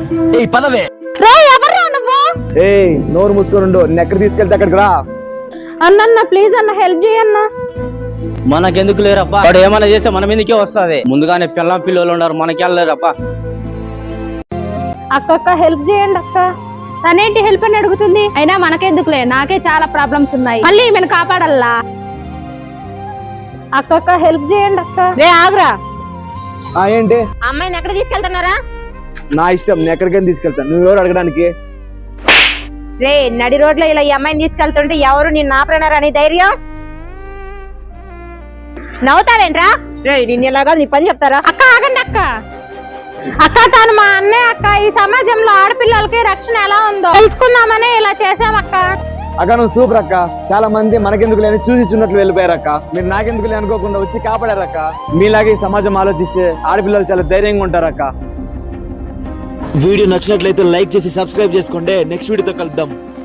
ఏయ్ పదవే. ఎవర్రా నువ్వు? నోరు మూసుకొని ఎక్కడ తీసుకెళ్తే అక్కడికి రా. అన్న ప్లీజ్ అన్న హెల్ప్ చేయన్న. మనకెందుకు లేరప్పా, వాడు ఏమైనా చేస్తే మన మీదకే వస్తుంది. ముందుగానే పిల్లం పిల్లలు ఉన్నారు, మనకెళ్ళలేరప్పా. అక్క హెల్ప్ చేయండి అక్క. తనేంటి హెల్ప్ అని అడుగుతుంది? అయినా మనకెందుకులే, నాకే చాలా ప్రాబ్లమ్స్ ఉన్నాయి, మళ్ళీ ఈమెను కాపాడల్లా. అక్క హెల్ప్ చేయండి అక్క. ఆగురా. ఏంటి? అమ్మాయిని ఎక్కడ తీసుకెళ్తున్నారా? నా ఇష్టం, నేను ఎక్కడికైనా తీసుకెళ్తాను. నువ్వెవరు అడగడానికి? రే నడి రోడ్లో ఇలా ఈ అమ్మాయిని తీసుకెళ్తుంటే ఎవరు నిన్ను ఆపరేనారా నీ ధైర్యం? నవ్వుతావేంట్రా? రే నిన్ను ఇలాగా నీ పని చెప్తారా? అక్క ఆగండి అక్క. అక్క తాను మా అన్నయ్య అక్క. ఈ సమాజంలో ఆడపిల్లలకి రక్షణ ఎలా ఉందో తెలుసుకుందామని ఇలా చేసామక్క. అక్క నువ్వు సూపర్ అక్క. చాలా మంది మనకెందుకు లేని చూసి చున్నట్లు వెళ్ళిపోయారక్క. మీరు నాకెందుకు లే అనుకోకుండా వచ్చి కాపాడారక్క. మీలాగే ఈ సమాజం ఆలోచిస్తే ఆడపిల్లలు చాలా ధైర్యంగా ఉంటారక్క. వీడియో నచ్చినట్లయితే లైక్ చేసి సబ్స్క్రైబ్ చేసుకోండి. నెక్స్ట్ వీడియోతో కలుద్దాం.